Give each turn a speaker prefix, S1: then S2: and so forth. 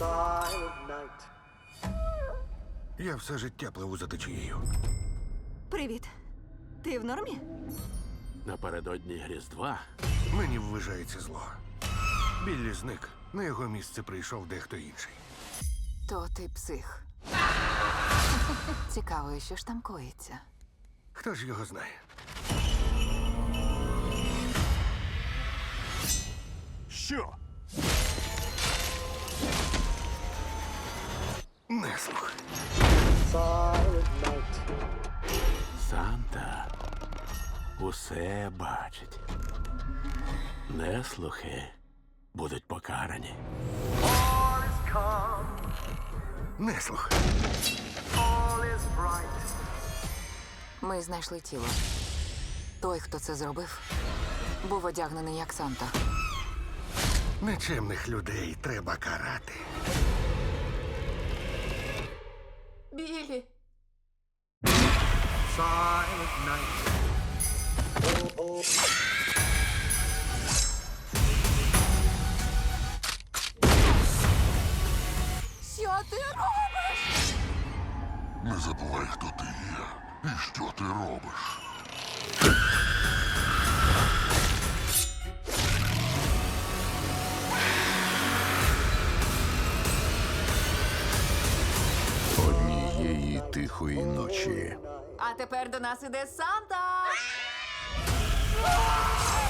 S1: Silent night.
S2: Я все життя пливу за течією.
S3: Привіт. Ти в нормі?
S4: Напередодні Різдва
S2: Мені ввижається зло. Біллі зник. На його місце прийшов дехто інший.
S5: То ти псих. Цікаво, що ж там коїться.
S2: Хто ж його знає?
S4: що?
S2: Не слух.
S1: Silent night.
S4: Санта усе бачить. Неслухи будуть покарані.
S1: All is calm,
S2: Не слух.
S1: all is bright.
S5: Ми знайшли тіло. Той, хто це зробив, був одягнений як Санта.
S2: Нечемних людей треба карати.
S5: Білі!
S1: Silent night.
S5: Що ти робиш?
S6: Не забувай, хто ти є і що ти робиш.
S7: Однієї тихої ночі
S5: А тепер до нас іде Санта!